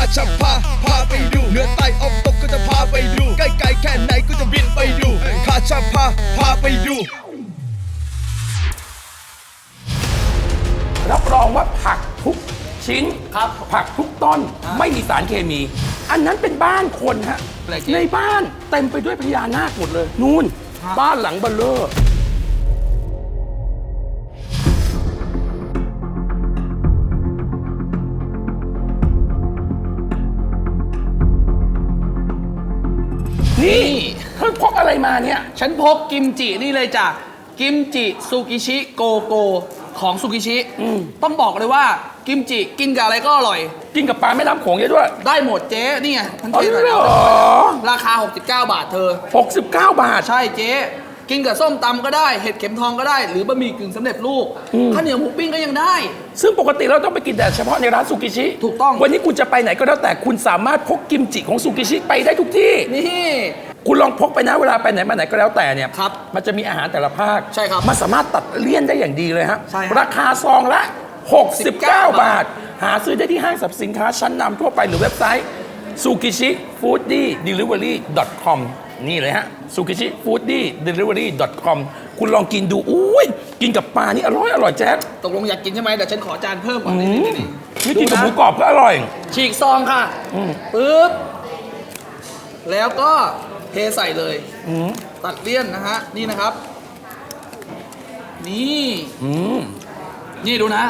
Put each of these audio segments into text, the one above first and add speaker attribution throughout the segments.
Speaker 1: จะพาไปดูเหนือใต้ออกตกก็จะพาไปดูใกล้ๆแค่ไหนก็จะบินไปดูข้าจะพาไปดู
Speaker 2: รับรองว่าผักทุกชิ้นครับผักทุกต้นไม่มีสารเคมี อันนั้นเป็นบ้านคนฮะในบ้านเต็มไปด้วยพญานาคหมดเลยนู่นบ้านหลังเบลเลอร์นี่เธอพกอะไรมาเนี่ย
Speaker 3: ฉันพกกิมจินี่เลยจ้ะกิมจิซูกิชิโกโกของซูกิชิต้องบอกเลยว่ากิมจิกินกับอะไรก็อร่อย
Speaker 2: กินกับปลาแม่น้ำโขงเยอะด้วย
Speaker 3: ได้หมดเจ๊นี่ไงมันเจ๊ราคา69 บาทเธอ
Speaker 2: 69 บาท
Speaker 3: ใช่เจ๊กินกับส้มตำก็ได้เห็ดเข็มทองก็ได้หรือบะหมี่กึ่งสำเร็จรูปข้าวเหนียวหมูปิ้งก็ยังได้
Speaker 2: ซึ่งปกติเราต้องไปกินแต่เฉพาะในร้านซูกิชิ
Speaker 3: ถูกต้อง
Speaker 2: วันนี้คุณจะไปไหนก็แล้วแต่คุณสามารถพกกิมจิของซูกิชิไปได้ทุกที่
Speaker 3: นี่
Speaker 2: คุณลองพกไปนะเวลาไปไหนมาไหนก็แล้วแต่เนี่ย
Speaker 3: ครับ
Speaker 2: มันจะมีอาหารแต่ละภาค
Speaker 3: ใช่ครับ
Speaker 2: มันสามารถตัดเลี่ยนได้อย่างดีเลยฮะ
Speaker 3: ใช่
Speaker 2: ราคาซองละ69 บาทหาซื้อได้ที่ห้างสรรพสินค้าชั้นนำทั่วไปหรือเว็บไซต์ sukichifoodie-delivery.com นี่เลยฮะ sukichifoodie-delivery.com คุณลองกินดูอุ้ยกินกับปลานี่อร่อยแจ๊ค
Speaker 3: ตกลงอยากกินใช่ไหมเดี๋ยวฉันขอจานเพิ่มก่อน
Speaker 2: นี่กินกับหมูกรอบก็อร่อย
Speaker 3: ฉีกซองค่ะปึ๊บแล้วก็เทใส่เลยตัดเลี่ยนนะฮะนี่นะครับนี่ดูนะ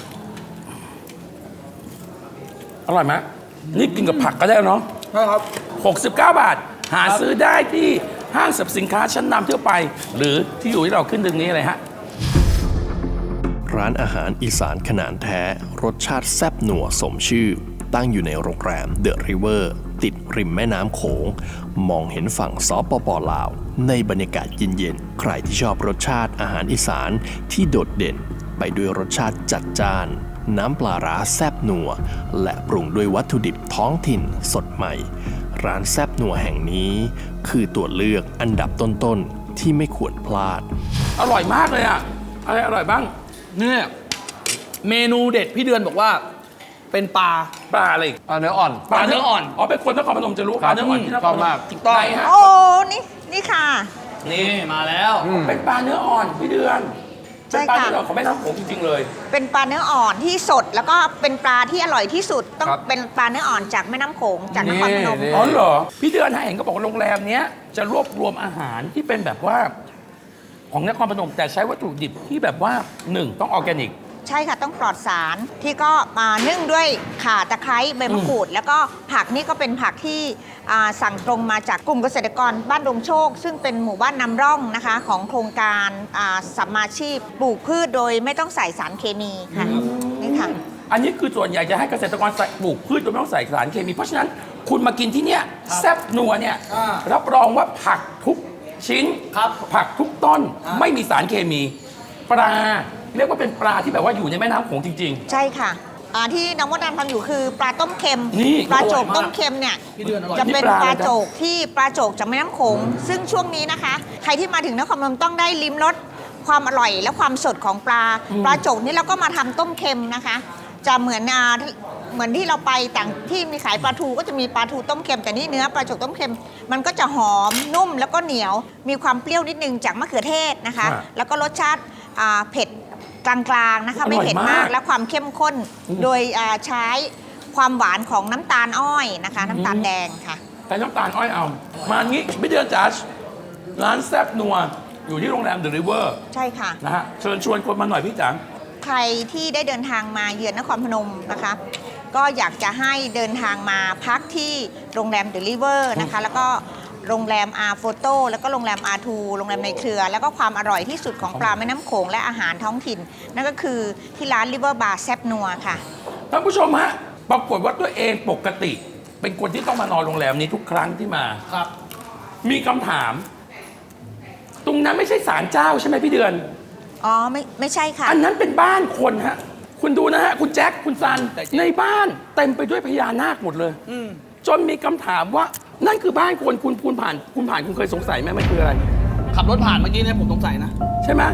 Speaker 2: อร่อยไหมนี่กินกับผักก็ได้เนาะ
Speaker 3: ใช่ครับ
Speaker 2: 69 บาทหาซื้อได้ที่ห้างสรรพสินค้าชั้นนำทั่วไปหรือที่อยู่ที่เราขึ้นตรงนี้เลยฮะ
Speaker 4: ร้านอาหารอีสานขนาดแท้รสชาติแซ่บหนัวสมชื่อตั้งอยู่ในโรงแรมเดอะริเวอร์ติดริมแม่น้ำโขงมองเห็นฝั่งสปป.ลาวในบรรยากาศเย็นๆใครที่ชอบรสชาติอาหารอีสานที่โดดเด่นไปด้วยรสชาติจัดจ้านน้ำปลาร้าแซ่บนัวและปรุงด้วยวัตถุดิบท้องถิ่นสดใหม่ร้านแซ่บนัวแห่งนี้คือตัวเลือกอันดับต้นๆที่ไม่ควรพลาด
Speaker 2: อร่อยมากเลยอ่ะอะไรอร่อยบ้าง
Speaker 3: เนี่ยเมนูเด็ดพี่เดือนบอกว่าเป็นปลา
Speaker 2: อะไร
Speaker 3: ปลาเนื้ออ่อน
Speaker 2: ปลาเนื้ออ่อนอ๋อเป็นคนนครพนมจะรู้ปลาเนื้ออ่อนที่นครพนม
Speaker 3: ถูกต้อง
Speaker 5: โอ้นี่ค่ะ
Speaker 3: นี่มาแล้ว
Speaker 2: เป็นปลาเนื้ออ่อนพี่เดือนเป็นปลาเนื้ออ่อนของแม่น้ำโขงจริงๆเลย
Speaker 5: เป็นปลาเนื้ออ่อนที่สดแล้วก็เป็นปลาที่อร่อยที่สุดต้องเป็นปลาเนื้ออ่อนจากแม่น้ำโขงจากนครพนม
Speaker 2: อ๋อเหรอพี่เดือนเห็นก็บอกว่าโรงแรมเนี้ยจะรวบรวมอาหารที่เป็นแบบว่าของนครพนมแต่ใช้วัตถุดิบที่แบบว่า1ต้องออร์แกนิก
Speaker 5: ใช่ค่ะต้องปลอดสารที่ก็มานึ่งด้วยข่าตะไคร้ใบมะกรูดแล้วก็ผักนี่ก็เป็นผักที่สั่งตรงมาจากกลุ่มเกษตรกรบ้านดงโชคซึ่งเป็นหมู่บ้านนำร่องนะคะของโครงการสัมมาชีพปลูกพืชโดยไม่ต้องใส่สารเคมีค่ะนี่ค่ะ
Speaker 2: อันนี้คือส่วนใหญ่จะให้เกษตรกรปลูกพืชโดยไม่ต้องใส่สารเคมีเพราะฉะนั้นคุณมากินที่เนี่ยแซ่บนัวเนี่ยรับรองว่าผักทุกชิ้นผักทุกต้นไม่มีสารเคมีปลาเรียกว่าเป็นปลาที่แบบว่าอยู่ในแม่น้ำโขงจริง
Speaker 5: ๆใช่ค่ะที่น้องมดดำทำอยู่คือปลาต้มเค็มปลาโจกต้มเค็มเนี่ยจะเป็นปลาโจกที่ปลาโจกจากแม่น้ำโขงซึ่งช่วงนี้นะคะใครที่มาถึงนครพนมต้องได้ลิ้มรสความอร่อยและความสดของปลาโจกนี่เราก็มาทำต้มเค็มนะคะจะเหมือนที่เราไปต่างที่มีขายปลาทูก็จะมีปลาทูต้มเค็มแต่นี่เนื้อปลาโจกต้มเค็มมันก็จะหอมนุ่มแล้วก็เหนียวมีความเปรี้ยวนิดนึงจากมะเขือเทศนะคะแล้วก็รสชาติเผ็ดกลางๆนะคะไม่เผ็ดมากและความเข้มข้นโดยใช้ความหวานของน้ำตาลอ้อยนะคะน้ำตาลแดงค่ะ
Speaker 2: แต่น้ำตาลอ้อยเอามางี้ไม่เดือนจ๋าร้านแซ่บนัวอยู่ที่โรงแรมเดอะริเวอร์
Speaker 5: ใช่ค่ะ
Speaker 2: นะฮะเชิญชวนคนมาหน่อยพี่จ๋า
Speaker 5: ใครที่ได้เดินทางมาเยือนนครพนมนะคะก็อยากจะให้เดินทางมาพักที่โรงแรมเดอะริเวอร์นะคะแล้วก็โรงแรมโฟโต้แล้วก็โรงแรมR2โรงแรมในเครือแล้วก็ความอร่อยที่สุดของปลาแม่น้ำโขงและอาหารท้องถิ่นนั่นก็คือที่ร้านริเวอร์บาร์แซบนัวค่ะ
Speaker 2: ท่านผู้ชมฮะปรากฏว่าตัวเองปกติเป็นคนที่ต้องมานอนโรงแรมนี้ทุกครั้งที่มา
Speaker 3: ครับ
Speaker 2: มีคำถามตรงนั้นไม่ใช่ศาลเจ้าใช่ไหมพี่เดือน
Speaker 5: อ๋อไม่ใช่ค่ะ
Speaker 2: อันนั้นเป็นบ้านคนฮะคุณดูนะฮะคุณแจ็คคุณซันในบ้านเต็มไปด้วยพญานาคหมดเลยจนมีคำถามว่านั่นคือบ้านคนคุณผ่านคุณเคยสงสัยไหมมันคืออะไร
Speaker 3: ขับรถผ่านเมื่อกี้เนี่ยผมสงสัยนะ
Speaker 2: ใช่ไหม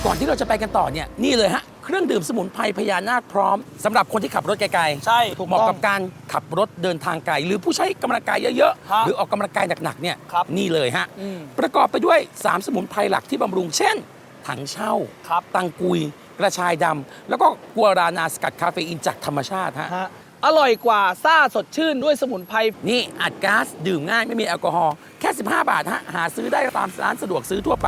Speaker 2: ก่อนที่เราจะไปกันต่อเนี่ยนี่เลยฮะเครื่องดื่มสมุนไพรพญานาคพร้อมสำหรับคนที่ขับรถไกลๆ
Speaker 3: ใช่ถูก
Speaker 2: เหมาะ
Speaker 3: ต้อง
Speaker 2: กับการขับรถเดินทางไกลหรือผู้ใช้กำลังกายเยอะ
Speaker 3: ครับ
Speaker 2: ๆหรือออกกำลังกายหนักๆเนี่ย
Speaker 3: ครับ
Speaker 2: นี่เลยฮะ
Speaker 3: อืม
Speaker 2: ประกอบไปด้วย 3 สมุนไพรหลักที่บำรุงเช่น ถังเช่า
Speaker 3: ครับ
Speaker 2: ตังกุย กระชายดำแล้วก็กัวรานาสกัดคาเฟอีนจากธรรมชาติฮะ
Speaker 3: ฮะอร่อยกว่าซ่าสดชื่นด้วยสมุนไพร
Speaker 2: นี่อัดก๊าซดื่มง่ายไม่มีแอลกอฮอล์แค่ 15 บาทฮะหาซื้อได้ตามร้านสะดวกซื้อทั่วไป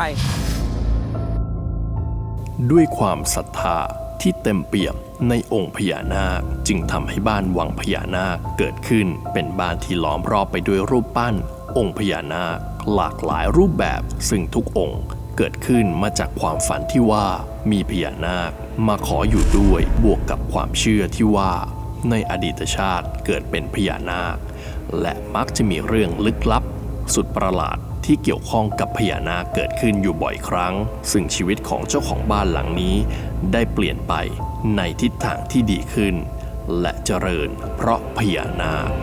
Speaker 4: ด้วยความศรัทธาที่เต็มเปี่ยมในองค์พญานาคจึงทำให้บ้านวังพญานาคเกิดขึ้นเป็นบ้านที่ล้อมรอบไปด้วยรูปปั้น องค์พญานาคหลากหลายรูปแบบซึ่งทุกองค์เกิดขึ้นมาจากความฝันที่ว่ามีพญานาคมาขออยู่ด้วยบวกกับความเชื่อที่ว่าในอดีตชาติเกิดเป็นพญานาคและมักจะมีเรื่องลึกลับสุดประหลาดที่เกี่ยวข้องกับพญานาคเกิดขึ้นอยู่บ่อยครั้งซึ่งชีวิตของเจ้าของบ้านหลังนี้ได้เปลี่ยนไปในทิศทางที่ดีขึ้นและเจริญเพราะพญานาค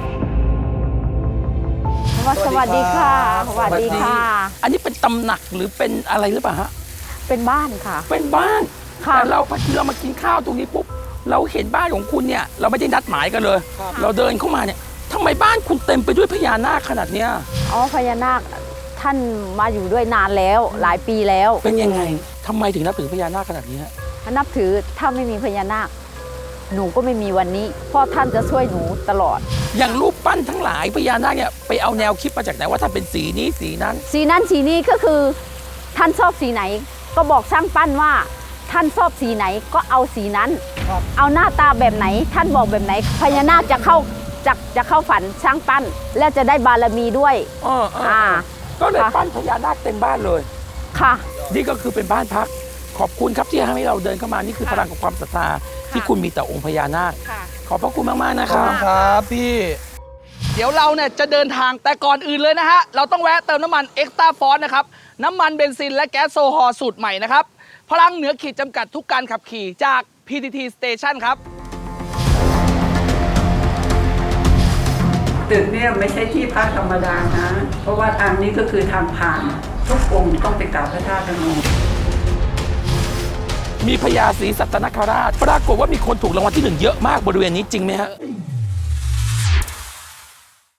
Speaker 6: สวัสดีค่ะ สวัสดีค่ะ
Speaker 2: อันนี้เป็นตำหนักหรือเป็นอะไรหรือเปล่าฮะ
Speaker 6: เป็นบ้านค่ะ
Speaker 2: เป็นบ้าน
Speaker 6: ค่ะ
Speaker 2: แต่เราพอทีเรามากินข้าวตรงนี้ปุ๊บเราเห็นบ้านของคุณเนี่ยเราไม่ได้นัดหมายกันเลย เราเดินเข้ามาเนี่ยทำไมบ้านคุณเต็มไปด้วยพญานาคขนาดเนี้ย
Speaker 6: อ๋อพญานาคท่านมาอยู่ด้วยนานแล้วหลายปีแล้ว
Speaker 2: เป็นยังไงทำไมถึงนับถือพญานาคขนาดนี้ฮะ
Speaker 6: นับถือถ้าไม่มีพญานาค หนูก็ไม่มีวันนี้ เพราะท่านจะช่วยหนูตลอด
Speaker 2: อย่างรูปปั้นทั้งหลายพญานาคเนี่ยไปเอาแนวคิดมาจากไหนว่าถ้าเป็นสีนี้สีนั้น
Speaker 6: สีนั้นสีนี้ก็คือ ท่านชอบสีไหน ก็บอกช่างปั้นว่า ท่านชอบสีไหนก็เอาสีนั้น เอาหน้าตาแบบไหน ท่านบอกแบบไหน พญานาคจะเข้าฝันช่างปั้น แล้วจะได้บารมีด้วย
Speaker 2: ก็เลย
Speaker 6: ค่ะ
Speaker 2: ปั้นพญานาคเต็มบ้านเลย
Speaker 6: ค่ะ
Speaker 2: นี่ก็คือเป็นบ้านพัก ขอบคุณครับที่ให้เราเดินเข้ามานี่คือพลังของความศรัทธาที่คุณมีต่อองค์พญานาค
Speaker 6: ค่ะ
Speaker 2: ขอบพระคุณมากๆนะ
Speaker 3: ข
Speaker 2: ค
Speaker 3: อบ
Speaker 2: รับ
Speaker 3: คุณครับพี่ เดี๋ยวเราเนี่ยจะเดินทางแต่ก่อนอื่นเลยนะฮะ เราต้องแวะเติมน้ำมันเอ็กซ์ตร้าฟอสนะครับ น้ำมันเบนซินและแก๊สโซฮอล์สูตรใหม่นะครับ พลังเหนือขีดจำกัดทุกการขับขี่จาก PTT Station ครับ
Speaker 7: ตึกเนี่ยไม่ใช่ที่พักธรรมดานะ เพราะว่าทางนี้ก็คือทางผ่าน ทุกองค์ต้องไปกราบพระธาตุพนม
Speaker 2: มีพญาศรีสัตนคราช ปรากฏว่ามีคนถูกรางวัลที่ 1 เยอะมากบริเวณนี้จริงไหมฮะ
Speaker 7: เ